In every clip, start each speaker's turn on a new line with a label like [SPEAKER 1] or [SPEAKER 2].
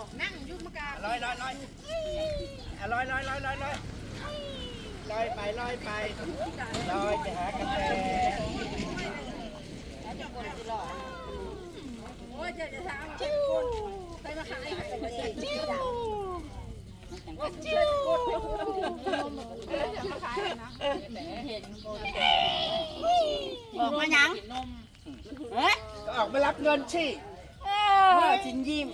[SPEAKER 1] นั่งยุ่งมากา
[SPEAKER 2] ลอยไปลอยไปหากาแฟ
[SPEAKER 1] โอ้ยจะถามไปมาขายไปเลยจิ้วจิ้วจะมาขายนะบอกมายังเฮ้ย
[SPEAKER 2] ก็ออกมารับเงินชิจินยิ้ม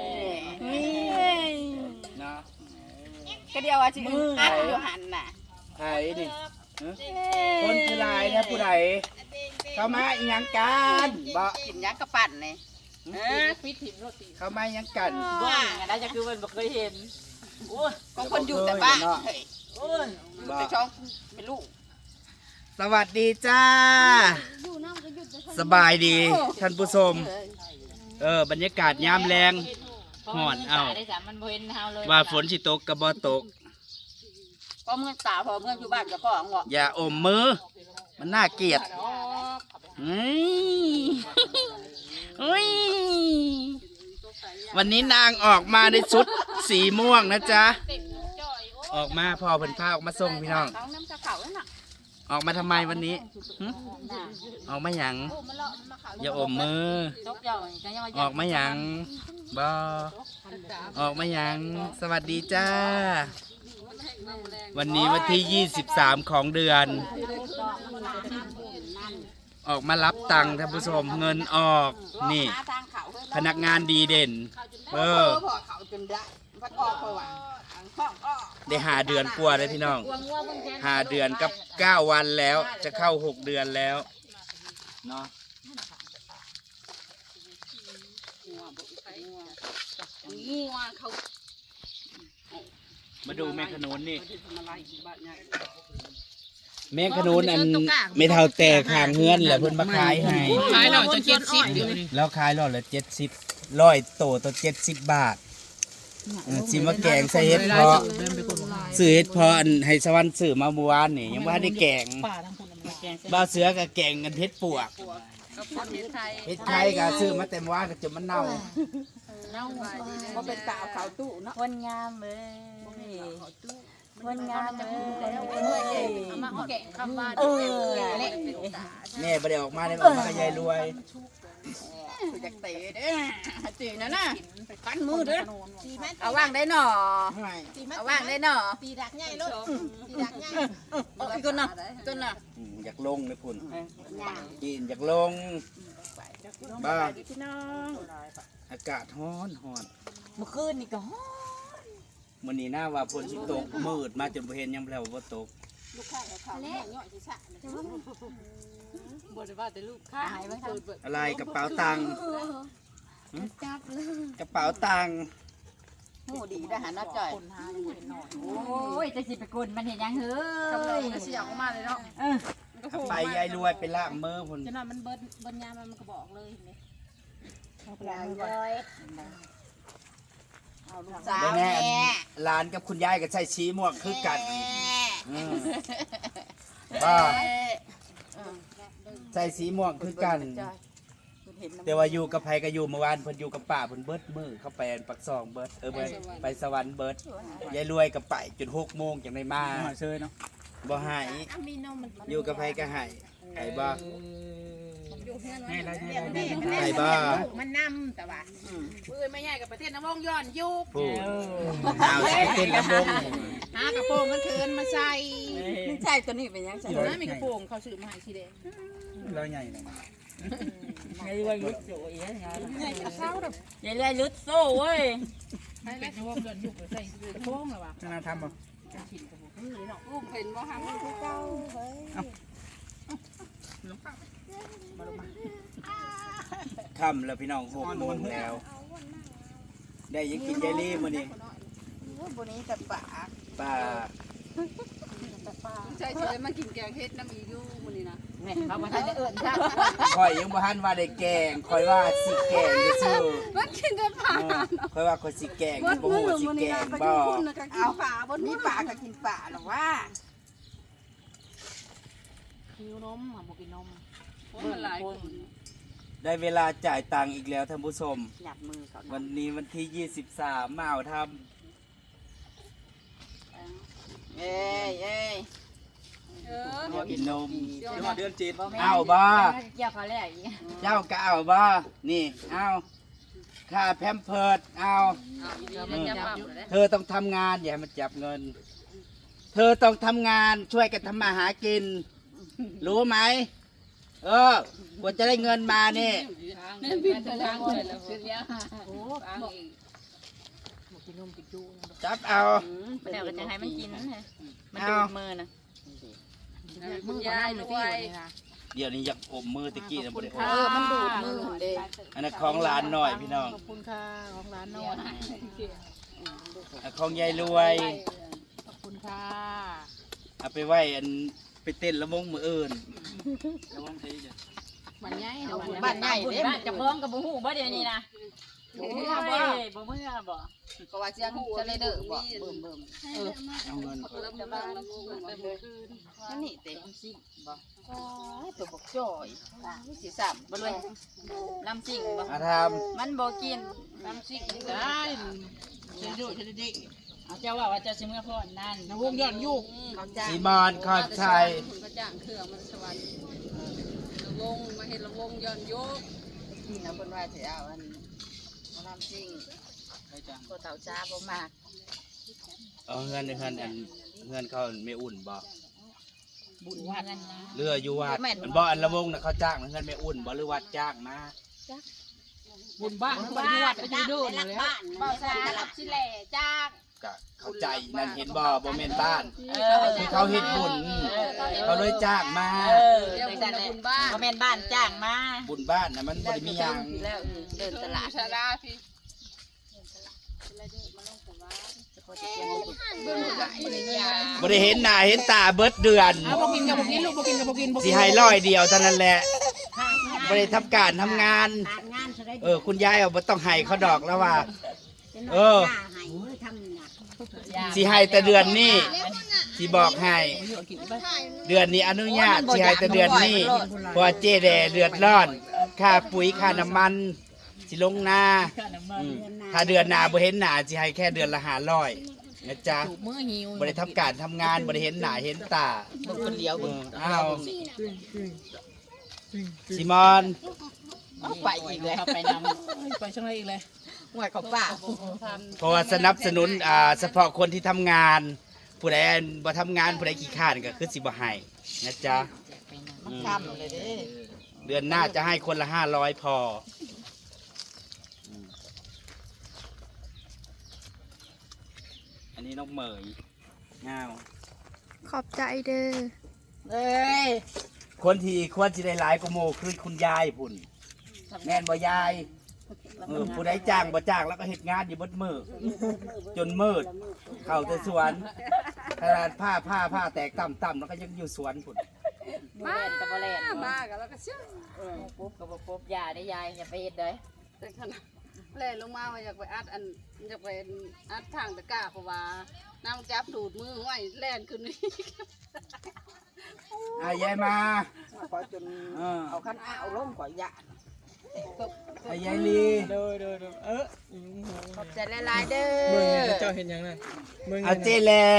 [SPEAKER 2] เนาะ
[SPEAKER 1] ก็เดียวว่าจิอัดอยู่หันน่ะ
[SPEAKER 2] ไผ่ดิคนคือลายนะผู้ใดเข้ามาอีหยังกันบ่
[SPEAKER 1] กินยักษ์กระปั่นเลยฟิตถิ่มโรตี
[SPEAKER 2] เข้ามาอีหยังกัน
[SPEAKER 1] ว่าน่าจะคือมันบ่เคยเห็นก็คนอยู่แต่บ้านแต่ช่องเป็นลูก
[SPEAKER 2] สวัสดีจ้าสบายดีท่านผู้ชมบรรยากาศยามแรงห่อนเอาว่าฝนสิตกกับบ่ตก
[SPEAKER 1] พอเมื่อสาวพอเมื่ออยู่บ้านก็ของบอก
[SPEAKER 2] อย่าอมมือมันน่าเกลียดวันนี้นางออกมาในชุดสีม่วงนะจ๊ะออกมาพ่อเพิ่นพาออกมาส่งพี่น้องออกมาทำไมวันนี้ออกมาหยังอย่าอมมือออกมาหยังบ่ออกมาหยังสวัสดีจ้าวันนี้วันที่23ของเดือนออกมารับตังค์ท่านผู้ชมเงินออกนี่พนักงานดีเด่นได้5 เดือนกว่าเลยพี่น้อง5 เดือนกับ9 วันแล้วจะเข้า6 เดือนแล้วเนาะมาดูแมงขนุนนี่แมงขนุนอันไม่เท่าแต่ข้างเฮือนแหละเพิ่นมาขายให้
[SPEAKER 1] ขายหน่อยจะ70อยู่นี่
[SPEAKER 2] แล้วขายร้อยละ70ร้อยโตตัว70 บาทสิมาแกงใส่เห็ดเพาะซื้อเห็ดเพาะอันให้สวรรค์ซื้อมาเมื่อวานนี่ยังบ่ทันได้แกงบ่าวเสือก็แกงกันเห็ดปวกเห็ดไข่ก็ซื้อมาแต่เมื่อวานก็จนมันเน่า
[SPEAKER 1] บ่เป็นตาเขาตู้เนาะ
[SPEAKER 3] คนงามเลยคนงามเลย
[SPEAKER 1] เอามาแกะคำว่า
[SPEAKER 2] แม่บ่ได้ออกมาได้ออกมากับยายรวย
[SPEAKER 1] อยากเตะเด้อตีนั่นน่ะฟันมือเด้อเอาว่างได้หน่อเอาว่างได้หน่อตีดักใหญ่ลูกตีดักใหญ่อีกคนน่ะต้นน่ะ
[SPEAKER 2] อยากลงเลยพุ่นกินอยากลงบ้าอากาศร้อนร้อน
[SPEAKER 3] เมื่อคืนนี่ก็ฮ้อน
[SPEAKER 2] มื้อนี้น่าว่าฝนสิตกมืดมาจนบ่เห็นยังแล้วบ่ตก
[SPEAKER 1] ลูกค้าเขาเนี่ยย่อยสิซะบ่ได้ว่าแต่ลูกค้า
[SPEAKER 2] อะไรกระเป๋าตังค์
[SPEAKER 3] จับเลย
[SPEAKER 2] กระเป๋าตังค์
[SPEAKER 1] หูดีได้หาน้าจ่อย
[SPEAKER 3] โอ้ยจะสิไปกลมันเห็นยังเฮ้ย
[SPEAKER 1] ก็เสียออกมาเลยเนาะ
[SPEAKER 2] เอาไปยายรวยไปล้างมือพุ่น
[SPEAKER 1] จะนอนมันเบิ้ลยามันก็บอกเลยเห็นไหม เอาลูกสาว
[SPEAKER 2] แม่หลานกับคุณยายก็ใช้ชี้ม่วงคือกันบ้าใช้สีม่วงคือกันแต่ว่าอยู่กับไผก็อยู่เมื่อวานเพิ่นอยู่กับป้าเพิ่นเบิดมือเข้าไปปักซองเบิดไปสวรรค์เบิดยายรวยก็ไปจน6 โมงจังได้มาเชยเนาะบ่หายอยู่กับไผก็หายไห้บ่ไห้บ่
[SPEAKER 1] มันนำแต่ว่าปืนไม่ใหญ่กับประเทศน้ำวงย้อนยุบ
[SPEAKER 2] ผู้เอาสิเต้นลำวง
[SPEAKER 1] หากระโปรงมันเทินมาใส่
[SPEAKER 3] ใช่ตัวนี้เป็นยังไง
[SPEAKER 1] นะมีกระโปรงเขาซื้อมาให้สีแดง
[SPEAKER 2] แล้วใหญ่เลย
[SPEAKER 3] ไงว่าลุดโซ่ยไงอย่าเลยลุดโซ่เว้ย
[SPEAKER 1] ให้แล้วน้ำวงย้อนยุบใส่กระโปรงหรอวะ
[SPEAKER 2] น่าทำบ่
[SPEAKER 1] ลูกเห็นว่าหางคือเก่าเฮ้ย
[SPEAKER 2] ค่ำแล้วพี่น้อง6 โมงแล้ว ได้ยังกินยายลี่มื้อนี้
[SPEAKER 1] บนนี้แต่ป่า
[SPEAKER 2] ป้า
[SPEAKER 1] ใช่เฉยมากินแกงเฮ็ดน้ำอียู่มันนี่นะ
[SPEAKER 3] เนี่ยเขามาทำได้เอิญใช่
[SPEAKER 2] ข่อยยังบ่ทันว่าได้แกงข่อยว่าสิแกงซื่อ
[SPEAKER 1] มันกินแต่ป่า
[SPEAKER 2] ข่อยว่าข่อยสิแกงบ่ฮู้ว่าสิแกงบ่
[SPEAKER 1] เอาป่าบนนี้ป่าก็กินป่าหรอว่าหิวนมอ่ะบอกกินนมมันหลายคน
[SPEAKER 2] ได้เวลาจ่ายตังค์อีกแล้วท่านผู้ชม
[SPEAKER 1] หยับมือเขา
[SPEAKER 2] วันนี้วันที่ 23มาเอาท
[SPEAKER 1] เอ้ยเอ้ย
[SPEAKER 2] ำกินนม
[SPEAKER 4] เดือนจีน
[SPEAKER 2] เอาบ่
[SPEAKER 1] เกี่ยวเขาแล้วอีก
[SPEAKER 2] เจ้าก็เอาบ่นี่เอาค่าแพมเพิร์ดเอาเธอต้องทำงานอย่าให้มันจับเงิน เธอต้องทำงานช่วยกันทำมาหากิน รู้ไหมกว่าจะได้เงินมานี่ จับเอา
[SPEAKER 1] เดี๋ยวก็จะให้มันกินมันดูดมือนะ
[SPEAKER 3] มือก็ได้เลยพี่วันนี้นะ
[SPEAKER 2] เดี๋ยวนี้อยากอมมือตะกี้นะบ่ได้อม
[SPEAKER 1] มันดูดมือเด้
[SPEAKER 2] อันนั้นของหลานหน่อยพี่น้อง
[SPEAKER 3] ขอบคุณค่ะของร้านโน่น
[SPEAKER 2] อันของยายรวย
[SPEAKER 3] ขอบคุณค่ะ
[SPEAKER 2] เอาไปไว้อันไปเต้นละมงมืออื่น
[SPEAKER 3] มันใหญ่
[SPEAKER 1] บ้านใหญ่เด้จะพ้องกับบุหูบ่เดี๋ยวนี้นะบ่เมื่อบ่ก็ว่าเสียงจะเลยเด้อบ่เบิ่ม
[SPEAKER 2] เอาเงิน
[SPEAKER 1] นั่นนี่เต็มซิ่งบ่ตัวบกจ่อยสิสับบ่เลยน้ำซิ่งบ่
[SPEAKER 2] อาท
[SPEAKER 1] มันบ่กินน้ำซิ่งได้
[SPEAKER 3] ฉันดูฉันดิ
[SPEAKER 1] เอาเจ้าว่าจะสิเมื่อพ่อนั่น
[SPEAKER 3] วงย้อนยุก
[SPEAKER 1] เขา
[SPEAKER 2] ำ
[SPEAKER 1] จ้าง
[SPEAKER 2] สีมอนขอบชัย
[SPEAKER 5] ก็จ้างเครื่องมันสวรรค์ลงมาเห็นลงย้อนโยก
[SPEAKER 1] เอาเพิ่นว่าสิเอาอันน้ำซิ่งก็เต่าจ้าบ่มาก
[SPEAKER 2] เอาเงินอันเงินเขาไม่อุ่นบ่
[SPEAKER 1] บุญวัดนะ
[SPEAKER 2] เรืออยู่วัดมันบ่อันละมงน่ะเขาจ้างเงินไม่อุ่นบ่หรือวัดจ้างมา
[SPEAKER 3] บุญบ้านบุญวัดไปยืดดูเลย
[SPEAKER 1] บ่สารับสิแหล่จ้าง
[SPEAKER 2] ก็เข้าใจนั่นเห็นบ่แม่นบ้านที่เขาเฮ็ดบุญเขาเลยจ้างมา
[SPEAKER 5] เดี๋ยวคุณบุญบ้าน
[SPEAKER 1] บ่แม่นบ้านจ้างมา
[SPEAKER 2] บุญบ้านน่ะมันบ่ได้มีหยัง
[SPEAKER 1] แล้วเดินตลาด
[SPEAKER 5] ชาลาพี่
[SPEAKER 2] บ่ได้เห็นหน้าเห็นตาเบิดเดือน
[SPEAKER 3] เอากินกับกินลูกกินกับกิน
[SPEAKER 2] สิให้ร้อยเดียวเท่านั้นแหละบ่ได้ทำการทำงาน คุณยายเอาบ่ต้องให้เขาดอกแล้วว่า สิให้แต่เดือนนี้สิบอกให้เดือนนี้อนุญาตสิให้แต่เดือนนี้เพราะว่าเจ๊แดเดือดร้อนค่าปุ๋ยค่าน้ำมันสิลงนาถ้าเดือนหน้าบ่เห็นหน้าสิให้แค่เดือนละ500นะจ๊ะ
[SPEAKER 3] มือหิว
[SPEAKER 2] บ่ได้ทำการทำงานบ่ได้เห็นหน้าเห็นตา
[SPEAKER 1] คนเดียว
[SPEAKER 2] อ้าวซิมอน
[SPEAKER 1] ไปอีกแล้วไปนำ
[SPEAKER 3] ไปช่างไรอีกเลย
[SPEAKER 1] หวยเขาป่า
[SPEAKER 2] เพราะว่าสนับสนุนเฉพาะคนที่ทำงาน ผู้ใดบ่ทำงานผู้ใดขี้ข้านก็คือสิบ่ให้นะจ๊ะ
[SPEAKER 1] มันทำเลยเด้
[SPEAKER 2] เดือนหน้าจะให้คนละ500พออันนี้น้องเหมยงาว
[SPEAKER 6] ขอบใจเด้อ
[SPEAKER 1] เอ้ย
[SPEAKER 2] คนที่ควรสิได้หลายกว่าโมคือคุณยายพุ่นแม่นบ่ยายผู้ใดจ้างบ่จ้างแล้วก็เฮ็ดงานอยู่เบดมือจนมืดเข้าแต่สวนขนาดผ้าแตกต่ำๆแล้วก็ยังอยู่สวนพุ่น
[SPEAKER 1] มาแต่บ่แล่น
[SPEAKER 5] มากันแล้วก็เชื่อ
[SPEAKER 1] ปุ๊บก็บ่ปุ๊บอย่าได้ยายอย่าไปเฮ็ดเด้อ
[SPEAKER 5] แต่ขนาดแล่ลงมาว่าอยากไปอัดอยากไปอัดทางตะกร้าเพราะว่าน้ำจับดูดมือห้อยแล่นขึ้นนี่
[SPEAKER 2] ยายมา
[SPEAKER 1] ขอจนเอาคันอ้าวลงก่อยยะ
[SPEAKER 2] ยายลี
[SPEAKER 1] ขอบใจหลายๆเด้อ
[SPEAKER 4] เจ้าเห็นยังไง
[SPEAKER 2] เอาเจแหละ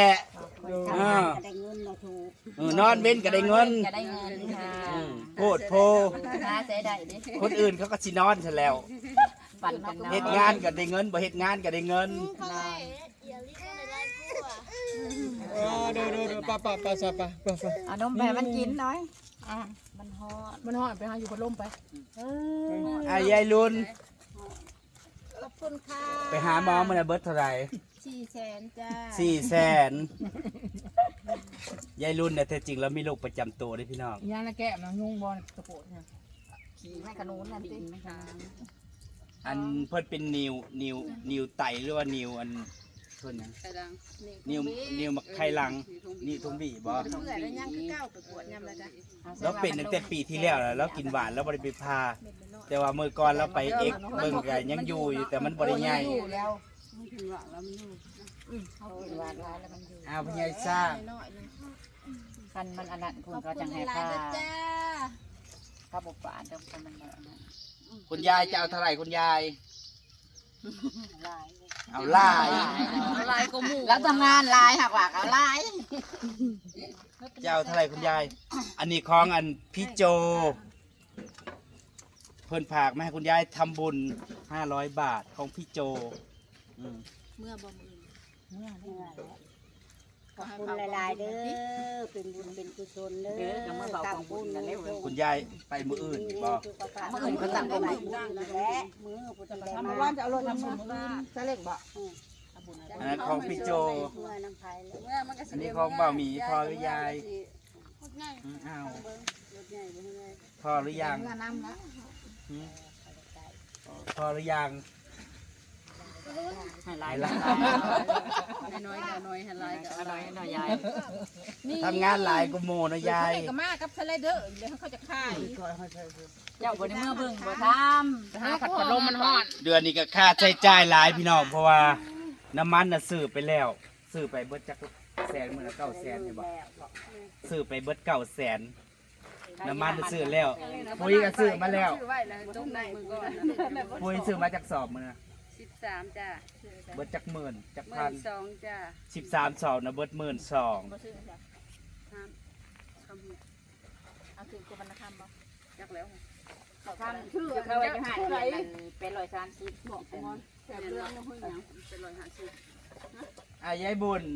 [SPEAKER 2] นอนเว้นก็ได้เงิน
[SPEAKER 1] จะได้เงินค่ะ
[SPEAKER 2] โพดโพ
[SPEAKER 1] หาเสียได้ดิ
[SPEAKER 2] คนอื่นเขาก็สินอนซะแล้ว
[SPEAKER 1] ปั่นกันเนาะ
[SPEAKER 2] เฮ็ดงานก็ได้เงินบ่เฮ็ดงานก็ได้เงิน
[SPEAKER 4] ดูป้า
[SPEAKER 1] เอานมไปให้มันกินหน่อยมันฮอด
[SPEAKER 3] มันห่อไปหาอยู่พัดลมไป
[SPEAKER 2] ยายลุน
[SPEAKER 6] ขอบคุณค่ะ
[SPEAKER 2] ไปหาหมอมันเบิดเท่าไหร่
[SPEAKER 6] 400,000จ้า
[SPEAKER 2] 400,000ยายลุนเนี่ยแท้จริงแล้วมีโรคประจำตัวเด้อพี่น้อง
[SPEAKER 3] ย่างละแก้มนะยุ่งบอลกระโปรงเนี่ย
[SPEAKER 1] ขี่แม่ขนุนนั่นดิ
[SPEAKER 2] อันเพิ่นเป็นนิวไตหรือว่านิวอันเพิ่นหยัง
[SPEAKER 5] ใครดัง
[SPEAKER 2] นิวมักไข่หลังนี่ทุ่งบีบ่
[SPEAKER 6] เมื่อแล้วยังคือเก้าไปปวดยำละจ้ะ
[SPEAKER 2] แล้วเป็นตั้งแต่ปีที่แล้วแล้วกินหวานแล้วบ่ได้ไปพาแต่ว่ามื้อก่อนเราไปเอ็กเบิ่งก็ยังอยู่แต่มันบ่ได้ใหญ่
[SPEAKER 1] แล้ว
[SPEAKER 5] ไม่ถึงหลังแล้วมันอยู่
[SPEAKER 1] เขากินหวานแล้วมันอยู่
[SPEAKER 2] อ้าวพี่ใหญ่ซ่า
[SPEAKER 6] น้อยๆนึง
[SPEAKER 1] คันมันอันนั้นคุณ
[SPEAKER 6] ขอบ
[SPEAKER 1] ก็
[SPEAKER 6] คุ
[SPEAKER 1] จั
[SPEAKER 6] ณ
[SPEAKER 1] งให้
[SPEAKER 6] หลาย
[SPEAKER 1] ค่า
[SPEAKER 6] ๆเด้อจ้า
[SPEAKER 1] ค่าบุปผาเดิมกันมันแบบนั้น
[SPEAKER 2] คุณยายจะเอาเท่าไหร่คุณยายเอาลาย
[SPEAKER 5] ลายก็หมู่
[SPEAKER 1] แล้วทำงานลายหักหลักเอาลาย
[SPEAKER 2] จะเอาเท่าไหร่คุณยายอันนี้ของอันพี่โจเพิ่นฝากมาให้คุณยายทำบุญ500 บาทของพี่โจอืม
[SPEAKER 6] เมื่อบ่มือ
[SPEAKER 4] ขอบคุณหลายๆเด้อเป็นบุญเป็นกุศลเด้อตั้งบุญเด้อ
[SPEAKER 2] คุณยายไปมื้ออื่นบ่
[SPEAKER 4] มื้ออื่นก็ตั้งบุญและมื้อพุทธธรรมว่าจะเอารถทำบุญซะเล็กบ่
[SPEAKER 2] อันนั้นของพี่โจ
[SPEAKER 4] เมื่อน้ำไผเลย
[SPEAKER 5] เมื่อมันก็สิ
[SPEAKER 2] อันนี้ของบ่าวหมีพอหรือ
[SPEAKER 5] ง่าย
[SPEAKER 2] ยายอ้าว
[SPEAKER 5] รถใหญ่บ่ไง
[SPEAKER 2] พอหรือยัง
[SPEAKER 1] น้ำละ
[SPEAKER 2] หืมพอหรือยัง
[SPEAKER 3] ให้หลาย
[SPEAKER 2] หลาย
[SPEAKER 5] น้อยๆน้อยๆให้ลายก็
[SPEAKER 3] อร่อยหน่อยยาย
[SPEAKER 2] ทำงานหลายกุโมนะยาย
[SPEAKER 6] ก็มากับสไลเดอร์เดี๋ยวเขาจะขาย
[SPEAKER 3] เจ้าบ่ได้เมื่อเบิ่งบ่ทำ
[SPEAKER 6] หาผัดพัดลมมันฮ้อน
[SPEAKER 2] เดือนนี้ก็ค่าใช้จ่ายหลายพี่น้องเพราะว่าน้ำมันน่ะซื้อไปแล้วซื้อไปเบิดจักแสนมื้อละ900,000ใช่บ่ซื้อไปเบิด900,000น้ำมันน่ะซื้อแล้วปุ๋ยก็ซื้อมาแล้ว
[SPEAKER 5] ซื้อไว้แล้วต้มในมือก่อน
[SPEAKER 2] ปุ๋ยซื้อมาจากสอบมื้อนะ
[SPEAKER 5] 13จ้ะ
[SPEAKER 2] เบิดจักหมื่นจักพัน
[SPEAKER 5] 12จ้ะ
[SPEAKER 2] 13สอบนะเบิด12,000
[SPEAKER 5] คำ
[SPEAKER 6] เอาถึงตัวบรรณคำบ่
[SPEAKER 5] จักแล้ว
[SPEAKER 3] ทำชื่อเขาไว้จะหาเงินเป็น130
[SPEAKER 5] บอกมอนแซ่บเรื่องเฮ้ยหยังเป็น150
[SPEAKER 2] ยายบุญ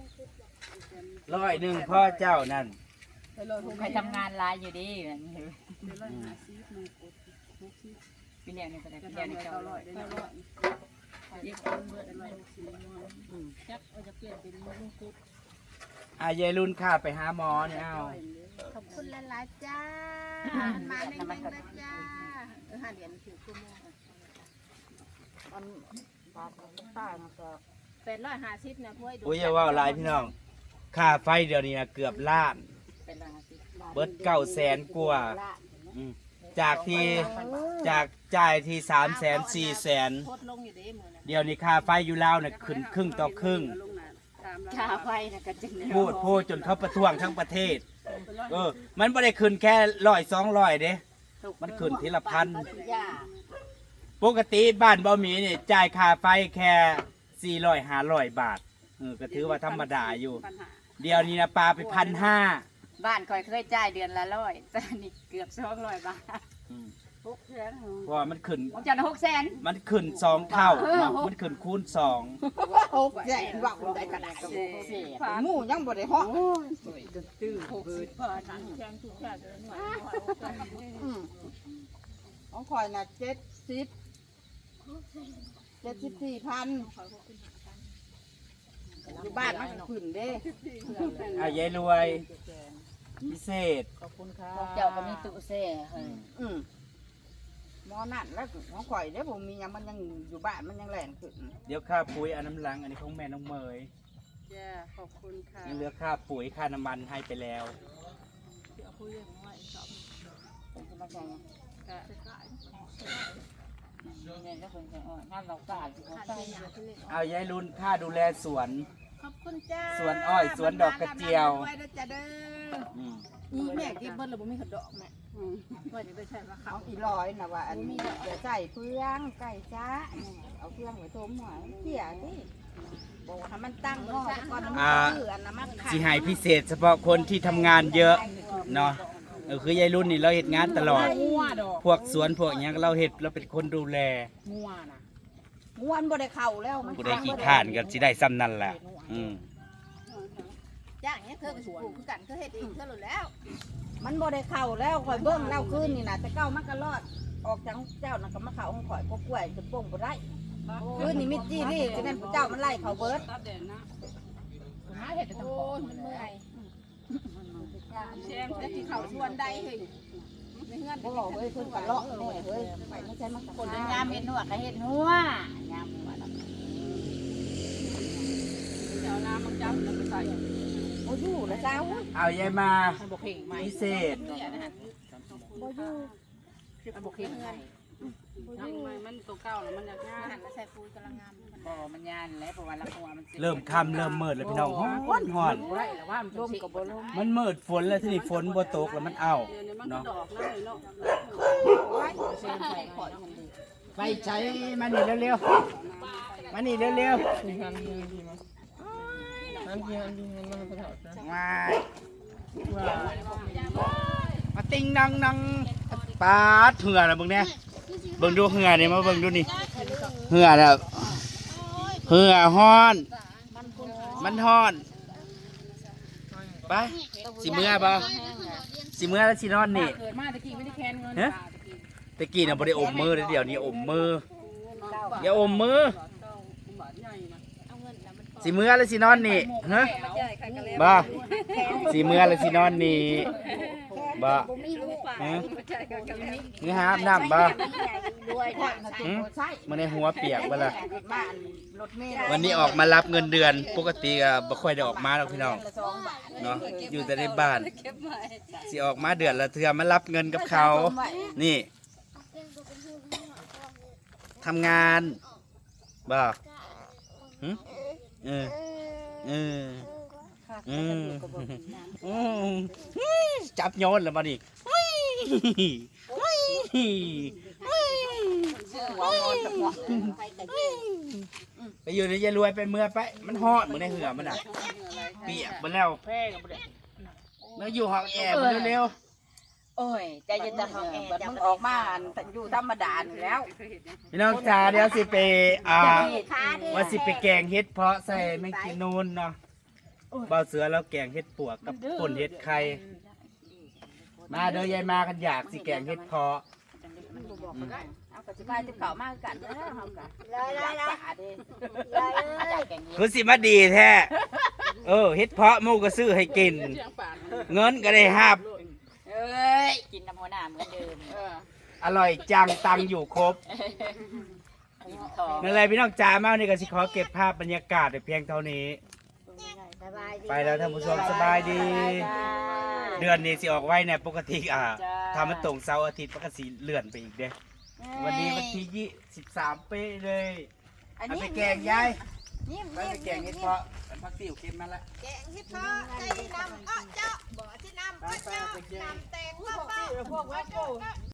[SPEAKER 2] 100พ่อเจ้านั่น
[SPEAKER 3] ใครทำงานหลายอยู่ดี
[SPEAKER 5] เป็น150นึงกด
[SPEAKER 3] ปีเดียวนี่ก็ได้ปีเดียวนี่
[SPEAKER 5] 900ได้100เย็บคนเบิด160
[SPEAKER 6] จักเอาจะเปลี่ยนเป็นลุงกุ๊ก
[SPEAKER 2] ยายรุ่นข้าไปหาหมอเนี่ยเอา
[SPEAKER 6] ขอบคุณหลายๆจ้ามาแน่งๆนะจ้า5เหรียญถือกุโม850นะพ่อยดู
[SPEAKER 2] โอ้ยอย่าว่าหลายพี่น้องค่าไฟเดี๋ยวนี้นะเกือบล้าน
[SPEAKER 3] เป็น150
[SPEAKER 2] เบิด900,000กว่าอืมจากจ่ายที่300,000 400,000
[SPEAKER 6] โคตรลงอยู่เด้มื้อนั้น
[SPEAKER 2] เดี๋ยวนี้ค่าไฟอยู่ลาวน่ะขึ้นครึ่งต่อครึ่ง
[SPEAKER 3] ค่าไฟน่ะก็จึง
[SPEAKER 2] พูดจนเขาประท้วงทั้งประเทศมันไม่ได้ขึ้นแค่100-200เด้มันขึ้นทีละพันปกติบ้านบ่มีนี่จ่ายค่าไฟแค่400-500 บาทก็ถือว่าธรรมดาอยู่ เดี๋ยวนี้นะปลาไป1,500
[SPEAKER 3] บ้านคอยเคยจ่ายเดือนละ100แต่นี่เกือบ200 บาท
[SPEAKER 2] เพราะว่ามันขึ้น
[SPEAKER 3] ผมจะ600,000
[SPEAKER 2] มันขึ้น2 เท่าเนาะมันขึ้นคูณ2
[SPEAKER 1] ใหญ่หวังได้ขนาดหมูยังบ่ได้ฮ้อ ของข่อยน่ะ74,000อยู่บ้านมันก็ขึ้นเด้
[SPEAKER 2] ยายรวยพิเศษ
[SPEAKER 3] เจ้าก็มีตู้แช่ให้
[SPEAKER 1] หมอนั่นแล้วของข่อยเด้ผมมีหยังมันยังอยู่บ้านมันยังแล่นขึ้น
[SPEAKER 2] เดี๋ยวค่าปุ๋ยอันน้ำลังอันนี้ของแม่น้องเมย
[SPEAKER 5] จ้าขอบคุณค่ะ
[SPEAKER 2] ยังเหลือค่าปุ๋ยค่าน้ำมันให้ไปแล้ว
[SPEAKER 3] เนี่ยก็คงจะงานเราสะอาดสิเขาใส่
[SPEAKER 2] ยายรุ่นค่าดูแลสวน
[SPEAKER 6] ขอบคุณจ้า
[SPEAKER 2] สวนอ้อยสวนดอกกระเจียว
[SPEAKER 6] ไว้นะจ้าเด้อ
[SPEAKER 2] อืม
[SPEAKER 6] นี่แม่เก็บเบิ้ลแล้วบ่มีขดอกแม่ว่าจะได้ใช้ว่าเขา
[SPEAKER 1] เอาอีร้อยนะว่าอันนี้เดี๋ยวใส่เฟืองไก่จ้าเอาเฟืองไว้ต้มหอยเกี่ยสิบอกว่าให้มันตั้งหม้อซะก่อนน้ำมันเดือดน้ำมันขัด
[SPEAKER 2] สิให้พิเศษเฉพาะคนที่ทำงานเยอะเนาะคือยายรุ่นนี่เราเฮ็ดงานตลอด
[SPEAKER 6] งัวดอก
[SPEAKER 2] พวกสวนพวกหยังเราเฮ็ดเราเป็นคนดูแล
[SPEAKER 6] งัวน่ะ
[SPEAKER 1] ม้วนบ่ได้เข้าแล้วมัน
[SPEAKER 2] ผู้ใดขี้ข้านก็สิได้ซ้ำนั่นแหละอืม
[SPEAKER 6] จ้างเนี้ยเธอไปปลูกคือกันเธอเฮ็ดเองเธอหลุดแล้ว
[SPEAKER 1] มันบ่ได้เข้าแล้วข่อยเบิ่งเล่าคืนนี่น่ะแต่เก้ามันก็รอดออกจากเจ้าน่ะก็มาเข้าของข่อยก็กล้วยจะป่งบ่ได้คืนนี้มิจี้นี่จะนั้นเจ้ามันไล่เขาเบิด
[SPEAKER 5] ตัดแดดนะ
[SPEAKER 6] หาเห็ดแต่โอ้ยมันเมื่อยแซมแต่ที่เขาชวนใดเฮ้ยในเฮือน
[SPEAKER 1] บ่เฮ้ยเพิ่นก็เลาะแน่เฮ้ยไปไม่ใช่มันก็
[SPEAKER 3] คนยามเฮ็ดหัวก็เฮ็ดหัวยามหัวแล้ว
[SPEAKER 5] เดี๋ยวน้ำมันจับแล้วไปใส่
[SPEAKER 1] บ่อยู่แล้วเจ้า
[SPEAKER 2] เอายายมา
[SPEAKER 6] บ่เข่งไหม
[SPEAKER 2] พิเศษ
[SPEAKER 1] บ่อยู่
[SPEAKER 6] บ่เข่งเงิน
[SPEAKER 5] ยังไงมันตัวเก่าแล้วมันอยากง่าย
[SPEAKER 6] หันมาใส่ปุ๋ยกำลังงาม
[SPEAKER 3] บ่มันยานแล้วเพราะว่าละหัวมัน
[SPEAKER 2] เริ่มค่ำเริ่มมืดแล้วพี่น้องฮ้อนฮ้อน
[SPEAKER 6] บ่ได้แล้วว่ามัน
[SPEAKER 1] ลมก็บ่ลม
[SPEAKER 2] มันมืดฝนแล้วที่นี่ฝนบ่ตกแล้วมันเอา
[SPEAKER 5] เดี๋ยวนี้มันก็
[SPEAKER 2] เนาะ
[SPEAKER 5] ดอกนั่นเลยเนาะ
[SPEAKER 2] ไปใช้มานี่เร็วๆมานี่เร็วๆมาติงนังนังปาดเหือนะเบิ่งเนี่ยเบิ่งดูเหือนี่มาเบิ่งดูนี่เหือน่ะเหือฮ้อนมันฮ้อนไปสิเมื่อบ่สิเมื่อแล้วสินอนนี่
[SPEAKER 6] เกิดมาตะกี้ไม่ได้แคนเงิน
[SPEAKER 2] ฮะตะกี้น่ะบ่ได้อมมือเดี๋ยวนี้อมมืออย่าอมมือสิเมื่อแล้วสินอนนี่ฮะบ่สิเมื่อแล้วสินอนนี่บ่ฮะนี่หาอาบน้ำบ่มันในหัวเปียกบ่ล่ะวันนี้ออกมารับเงินเดือนปกติก็บ่ค่อยได้ออกมาหรอกพี่น้องเนาะอยู่แต่ในบ้านสิออกมาเดือนละเทื่อมารับเงินกับเขานี่ทำงานบ่หึเออจับโยนแล้วมาดิไปอยู่ในยายรวยไปเมื่อไปมันฮอดเหมือนในเหือมันอ่ะเปียกมันแล้วแล้วอยู่ห้องแอร์มันเร็ว
[SPEAKER 4] โอ้ยใจเย็นจะห้องแอร์มึงออกมาอยู่ธรรมดาแล้ว
[SPEAKER 2] ๆพี่น้องจ๋าเดี๋ยวสิไปว่าสิไปแกงเฮ็ดเพาะใส่แมงกินนูนเนาะเบาเสือแล้วแกงเฮ็ดปวกกับป่นเฮ็ดไข่มาเด้อยายมากันอยากสิแกงเฮ็ดเพาะ
[SPEAKER 4] เอากระสิบายจะเก่ามากกันนะเฮากัน
[SPEAKER 2] คือสิมาดีแท้เฮ็ดเพาะหมูก็ซื้อให้กิน เงินก็ได้หับ
[SPEAKER 4] เอ้ยกินน้ำหัวหน้าเหมือนเดิม
[SPEAKER 2] อร่อยจังตังอยู่ครบนั่นแหละพี่น้องจ๋ามานี่ก็สิขอเก็บภาพบรรยากาศไว้เพียงเท่านี้ ไปแล้วท่านผู้ชมสบายดี เดือนนี้สิออกไว้เนี่ยปกติทำมันตรงเสาร์อาทิตย์ปกติเลื่อนไปอีกเด้วันนี้วันที่23เป๊ะเลยเอาไปแกงยายไปแกงเฮ็ดเพาะพักติ๋วเค็มมาละ
[SPEAKER 6] แกงเฮ็ดเพาะใจนำเจาะบ่ที่นำเจาะนำแตงพ่อพวกวัดโก